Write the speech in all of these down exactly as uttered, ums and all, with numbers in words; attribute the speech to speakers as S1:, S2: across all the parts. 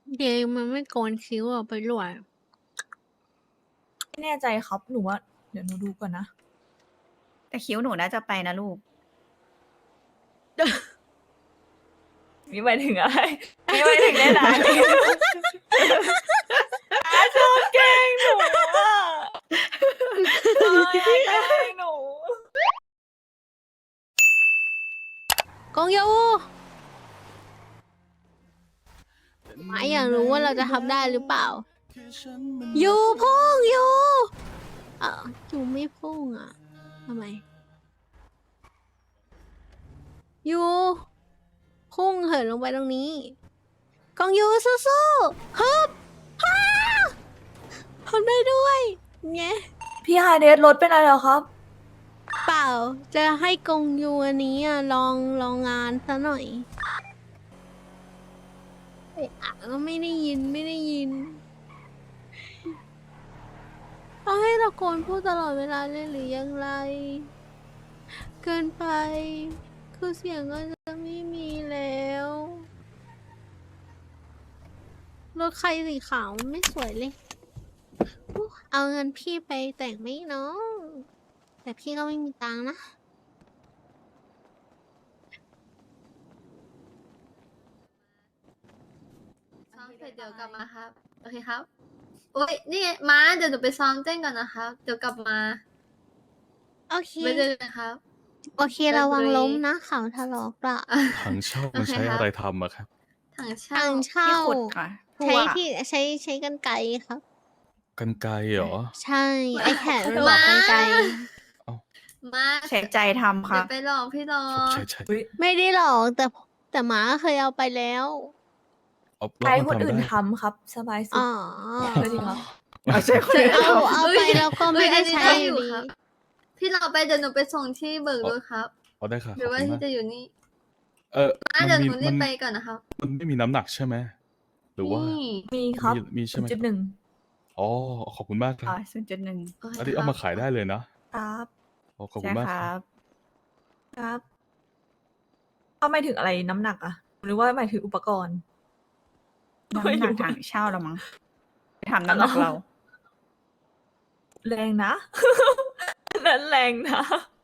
S1: เดยมันไม่โกนคิ้วออกไปรวย
S2: ไม่แน่ใจครับหนูว่าเดี๋ยวหนูดูก่อนนะ
S3: แต่คิ้วหนูน่าจะไปนะลูก
S2: มีหมายถึงอะไรมีหมายถึงได้ไหนอาชอบแกล้งหนูอ่ะอาอยากแกล้งหนู
S1: กงยูหมาอยากรู้ว่าเราจะทำได้หรือเปล่ายูพุ่งยูเอ่อยูไม่พุ่งอ่ะทำไมยูพุ่งเหินลงไปตรงนี้กองยูสู้ๆฮึบฮ่าทำได้ด้วยไง
S2: พี่ฮาเดสรถเป็นอะไรเหรอครับ
S1: เปล่าจะให้กงยูอันนี้อ่ะลองลองงานซะหน่อยเอะอะก็ไม่ได้ยินไม่ได้ยินต้องให้ตะโกนพูดตลอดเวลาเลยหรือยังไร เกินไป คือเสียงก็จะไม่มีแล้วรถใครสีขาวไม่สวยเลยอุ๊ยเอาเงินพี่ไปแต่งไหมเนาะแต่พี่ก็ไม่มีตังค์นะ
S4: ซ้อมเสร็จเดี๋ยวกลับมาครับ โอเคครับ โอ้ยนี่ไงม้าเดี๋ยวหนูไปซ้อมเต้นก่อนนะครับ เดี๋ยวกลับมา
S1: โอเค
S4: ไว้เจอกันครับ
S1: โอเคระวังล้มนะเขาถลอกละ
S5: ถังเช่ามันใช้
S4: โอเคครับ
S5: อะไรทำอะครับ
S4: ถังเช่า
S1: ทางเช่า
S3: ที่ขุดค่ะพั
S1: ใช้
S3: ว
S1: ที่ใช้ใช้กันไกรครับ
S5: กันไกรเหรอ
S1: ใช่ไอแขนมันบอกกันไกร
S4: มา
S3: ใช้ใจทำ
S4: เดี๋
S3: ค่ะ
S4: ยวไปลองพี่รอ
S5: ใช่ใช่
S1: ไม่ได้หรอกแต่แต่หมาเคยเอาไปแล้ว
S5: เอาแล้
S2: ใช้
S5: ว
S2: ค
S5: มัน
S2: น
S5: ทำ
S2: อื่น
S5: ได้
S2: ทำครับ สบายสุด
S1: อ๋อ
S2: สวัสดีครับ
S3: เอาใช่คนอื่น
S1: เอา
S3: ทำ
S1: เอาไปแล้วก็ไม่ได้ใช้อยู่
S4: ค
S1: ดี
S4: รับ พี่รอไปเดี๋ยวหนูไปส่งที่เบิกรถครับ
S5: เอาได้ค่ะ
S4: ห
S5: ข
S4: รือ อบ ว่า
S5: คุณ
S4: ที่
S5: มาก
S4: จะอยู่นี่
S5: เออ
S4: มา
S5: มัน
S4: เดี๋ยว
S5: มี
S4: หนูรี
S5: มั
S4: บ
S5: น
S4: ไปก่อนนะครับ
S5: มันไม่มีน้ำหนักใช่ไหมหรือว่า
S4: นี่
S2: มีครับ
S5: มีมีใช่ไหม
S2: จุดหนึ่ง
S5: อ๋อขอบคุณมากครั
S3: อ๋
S5: บ
S3: อศูนย์จุดหนึ่ง
S4: โอเค
S5: อันนี้
S4: ค
S5: เอา
S4: รับ
S5: มาขายได้เลยนะครับ อ๋อขอบคุ
S3: ใช่
S5: ณมาก
S3: ค
S5: ค
S3: รั
S5: รับ
S3: บ
S2: ครับเอาหมายถึงอะไรน้ำหนักอะหรือว่าหมายถึงอุปกรณ์
S3: น้ำหนักถังเช่าแล้วมั้งไปทำน้ำหนักเรา
S2: แรงนะ นั้นแรงนะ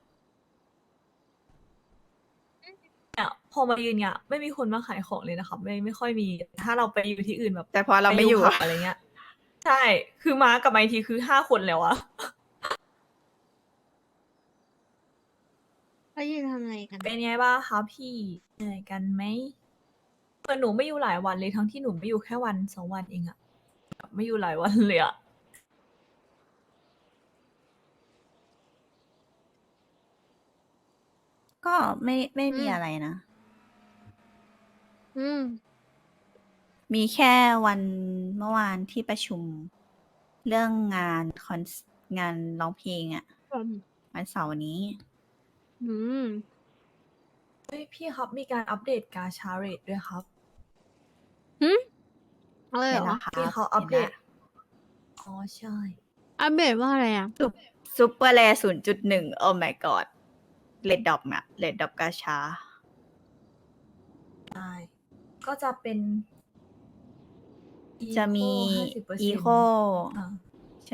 S2: เนี่ยพอมายืนเนี่ยไม่มีคนมาขายของเลยนะครับ ไม่ไม่ค่อยมี ถ้าเราไปอยู่ที่อื่นแบบ
S3: แต่พอเราไม่อยู่
S2: ปผับอะไรเงี้ย ใช่ คือมากับไมาอีกทีคือห้าคนแล้วอะ
S1: เขายืนทำอะไรกัน
S2: เป็นไงบ้างคะพี่เหนื่อยกันไหมเออหนูไม่อยู่หลายวันเลยทั้งที่หนูไม่อยู่แค่วันสองวันเองอะแบบไม่อยู่หลายวันเลยอะ
S3: ก็ไม่ไม่มี
S1: อืม
S3: อะไรนะ
S1: อืม
S3: มีแค่วันเมื่อวานที่ประชุม เรื่องงานคอนงานร้องเพลงอะวันเสาร์นี้
S1: อืม
S2: เฮ้ยพี่ครับมีการอัปเดตกาชาเรตด้วยครับ
S1: อะไรเหร
S3: เห็น
S1: อ
S3: แล้วครับ
S2: ที่เขาอัปเด
S3: ห็น
S2: ต
S3: แล้ว
S2: อ๋อใช่
S1: อัปเดตว่าอะไรอ่ะ
S3: ซูเปอร์แรศูนย์จุดหนึ่งโอ้ my god เลดดอปอะเลดดอปกาชา
S2: ใช่ ก็จะเป็น
S3: จะมี
S2: Eco
S3: อีโค
S2: อ่า
S3: ใช่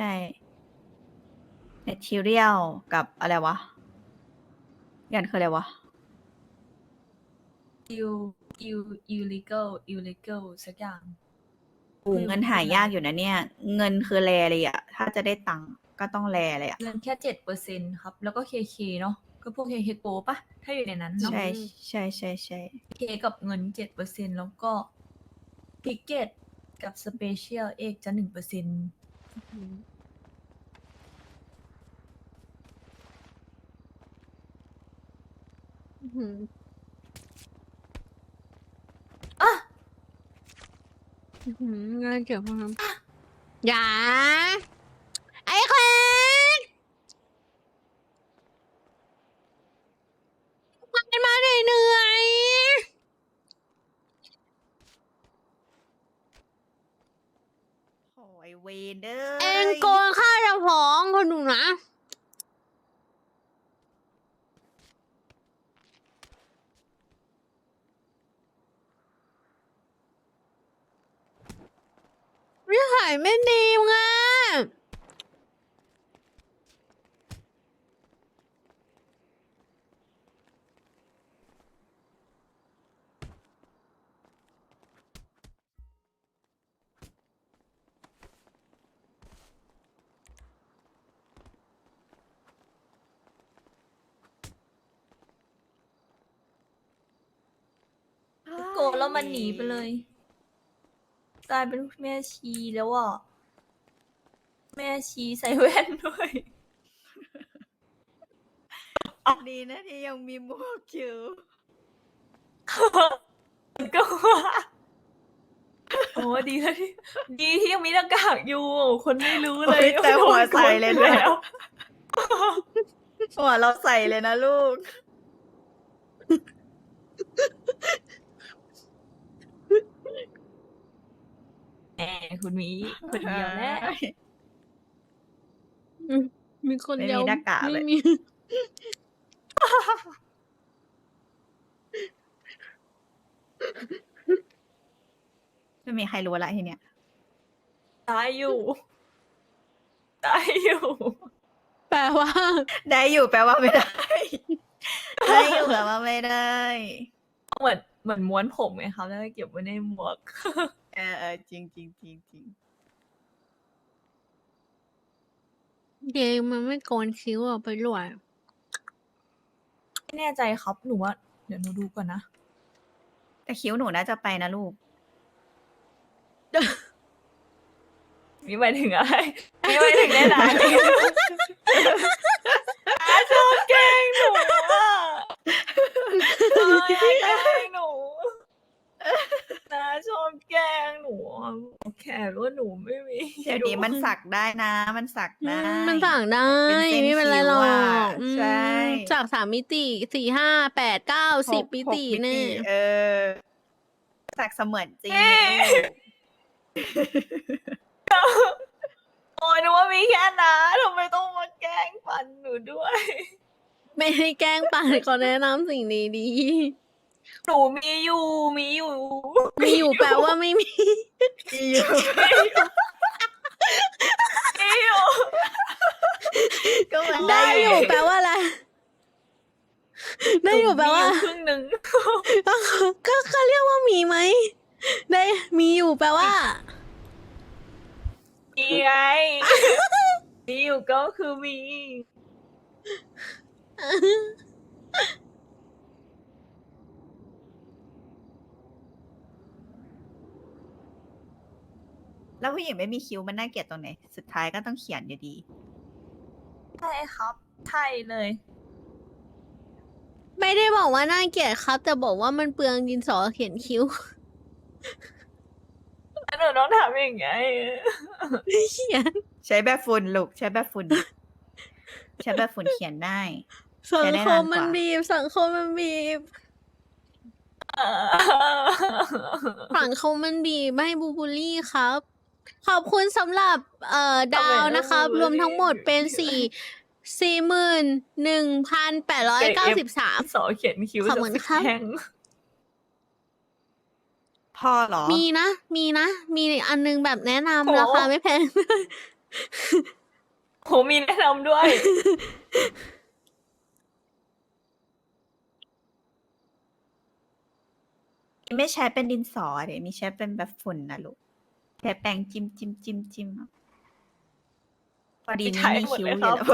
S3: material กับอะไรวะยันคืออะไรวะ
S2: อิวอิวอิวลิเกลอิวลิเกลสักอย่าง
S3: โอ้เงินหายากอยู่นะเนี่ย เงินคือแรเลยอะถ้าจะได้ตังค์ก็ต้องแรเลยอะ
S2: เงินแค่เจ็ดเปอร์เซ็นครับ แล้วก็เคเคเนาะก็พวกเคเคโปปะถ้าอยู่ในนั้นเนาะ
S3: ใช่ใช่ใช่ใช่
S2: เคกับเงินเจ็ดเปอร์เซ็นแล้วก็พิกเก็ตกับสเปเชียลเอกจะหนึ่งเปอร์เซ็น
S1: อืม
S2: อ่ะ
S1: อืมงานเกี่ยวกับน้ำอย่า ไอ้แควนมันมาเหนื่อย
S3: โอ้ยเวนเดอ
S1: ๆเองโกงค่าเจ้าของคนหนูนะสัยไม่ดีไง
S2: โกรธแล้วมันหนีไปเลย กลายเป็นแม่ชีแล้วอ่ะ แม่ชีใส่แว่นด้วย
S3: ดีนะที่ยังมีหมวกอยู่
S2: ก็ว่าโอ้ดีแล้วที่ดีที่ยังมีหน้ากากอยู่ คนไม่รู้เลย
S3: โอ้ยแต่หัวใส่เลยนะ
S2: แล้ว
S3: หัวเราใส่เลยนะลูก
S2: แหมคุณมีคนเดียวแล้ว
S1: มีคน
S3: ไม่
S1: เดียว
S3: มีหน้ากากเลย
S1: ไม่มี
S3: ไม่มีใครรู้ละทีเนี้ย
S2: ตายอยู่ ตายอยู่
S1: แปลว่า
S3: ได้อยู่แปลว่าไม่ได้ ได้อยู่แปลว่าไม่ได้
S2: เหมือนเหมือนม้วนผมไงครับแล้วก็เก็บไว้ในหมวก
S3: เออเออจริงจริงจริงจริง
S1: เกมมันไม่โกนคิ้วออกไปรวย
S2: ไม่แน่ใจครับ หนูว่า เดี๋ยวหนูดูก่อนนะ
S3: แต่คิ้วหนูน่าจะไปนะลูก
S2: มีหมายถึงอะไร มีหมายถึงได้ไหนน้าชอบแกล้งหนูอ่ะน้าแกล้งหนูน้าชอบแกล้งหนูอะแค่ว่าหนูไม่มี
S3: เดี๋ยวนี้มันสักได้นะ มันสักได้
S1: มันสั่งได้
S3: เป็นเส้น
S1: ไม่เป็นไรหรอ
S3: คิ้ว
S1: ก
S3: อะ
S1: อืม
S3: ใช่
S1: จากสามมิติสี่ห้าแปดเก้าสิบ
S3: หก
S1: มิ
S3: หก
S1: ติเนี่ย
S3: เออ สักเสมือนจริง
S2: โอ้ยนึกว่ามีแค่น้าทำไมต้องมาแกล้งฟันหนูด้วย
S1: ไม่ให้แกล้งปันก็แนะนำสิ่งดี
S2: หนูมีอยู่ มีอยู่
S1: ๆมีอยู่แปลว่าไม่มี
S3: มีอยู่
S2: มีอยู่
S3: ก็เหมือน
S1: ได้
S3: ได้
S1: อ
S3: อยู่ ยู่
S1: แปลว่าอะไร ได้อยู่แปลว่า
S2: หนูมีอยู่ครึ่งหนึ่ง
S1: ก็ก็ก็เรียกว่ามีไหม ได้มีอยู่แปลว่า
S2: มีไง มีอยู่ก็คือมี
S3: แล้วผู้หญิงไม่มีคิ้วมันน่าเกลียดตรงไหน สุดท้ายก็ต้องเขียนอยู่ดี
S2: ใช่ครับ ใช่เลย
S1: ไม่ได้บอกว่าน่าเกลียดครับ แต่บอกว่ามันเปลืองดินสอเขียนคิ้ว
S2: แล้วหนูต้องทำยังไง
S1: เขียน
S3: ใช้แบบฝุ่นลูก ใช้แบบฝุ่น ใช้แบบฝุ่นเขียนได้
S1: สัง
S3: ใช้ได้
S1: คม
S3: นานกว่า
S1: มันบีบ สังคมมันบีบ สังคมมันบีบไม่ให้บูบูลลี่ครับ ขอบคุณสำหรับเอ่อดาวนะครับ รวมทั้งหมดเป็นสี่สี่หมื่นหนึ่งพันแปดร้อยเก้าสิบสาม
S2: สอเขียนคิ้ว
S1: ขอบคุณครับ
S2: แข็ง
S3: พ่อเหรอ
S1: มีนะ มีนะ มีอันนึงแบบแนะ
S2: โอ้
S1: นำราคาไม่แพง
S2: โหมีแนะนำด้วย
S3: ไม่ใช้เป็นดินสอเดี๋ยวมีใช้เป็นแบบฝุ่นนะลูกใช้แปรงจิ้มจิ้มจิ้มจิ้มพอดีนี่มีคิ้วอยู่แล้ว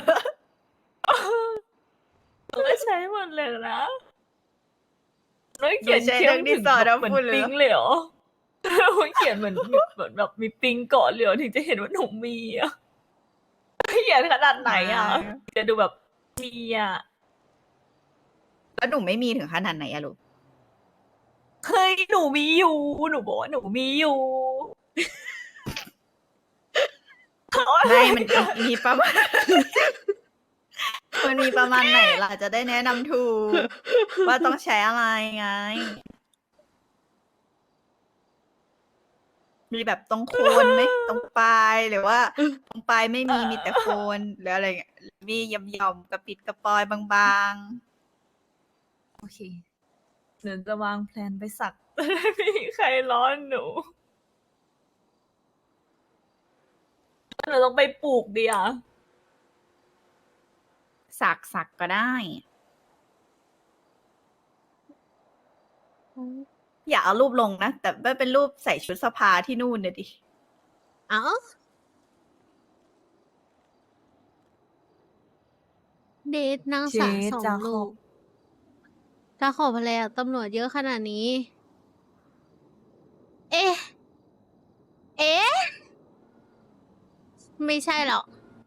S2: หนูก็ใช้หมดเลยนะแล้วเขียน
S3: หนูใช้
S2: เขีย
S3: ทั้
S2: น
S3: งดินสอ
S2: ถึง
S3: ทั้ง
S2: เหมือน
S3: ฝุ่นเลย
S2: ปิงเลยเหรอ เขียนเหมือนเหมือนแบบมีปิงเกาะเลยเหรอถึงจะเห็นว่าหนูมีอ่ะเขียนขนาดไหนอ่ะ จะดูแบบมีอ่ะ
S3: แล้วหนูไม่มีถึงขนาดไหนอะลูก
S2: เฮ้ยหนูมีอยู่ หนูบอกว่าหนูมีอยู่
S3: ไม่มันมีประมาณ มันมีประมาณไหนล่ะจะได้แนะนำถูก ว่าต้องใช้อะไรไง มีแบบตรงโคนไหมตรงปลายหรือว่า ตรงปลายไม่มีมีแต่โคนหรืออะไรเงี้ยมีหย่อมๆกระปิดกระปอยบาง
S2: โอเคเดี๋ยวจะวางแผนไปสัก ไม่มีใครร้อนหนู
S3: ๆ
S2: เราต้องไปปลูกดีอ่ะ
S3: สักสักก็ได้ อย่าเอารูปลงนะ แต่ไม่เป็นรูปใส่ชุดสภาที่นู่นเนี่ยดิ
S1: เอ้าเดทนางสาวสองลูกจะขอภรรยาตำรวจเยอะขนาดนี้ เอ๊ะ เอ๊ะ ไม่ใช่หรอก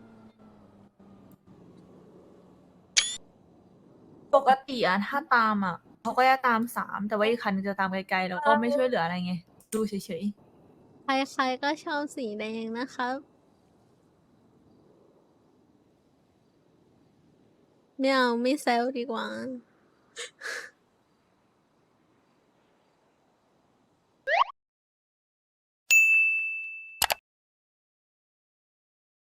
S2: ปกติอะถ้าตามอะเขาก็จะตามสามแต่ว่าอีกคันนึงจะตามไกลๆแล้วก็ไม่ช่วยเหลืออะไรไง ดูเฉย
S1: ใครๆก็ชอบสีแดงนะครับไม่เอาไม่แซวดีกว่า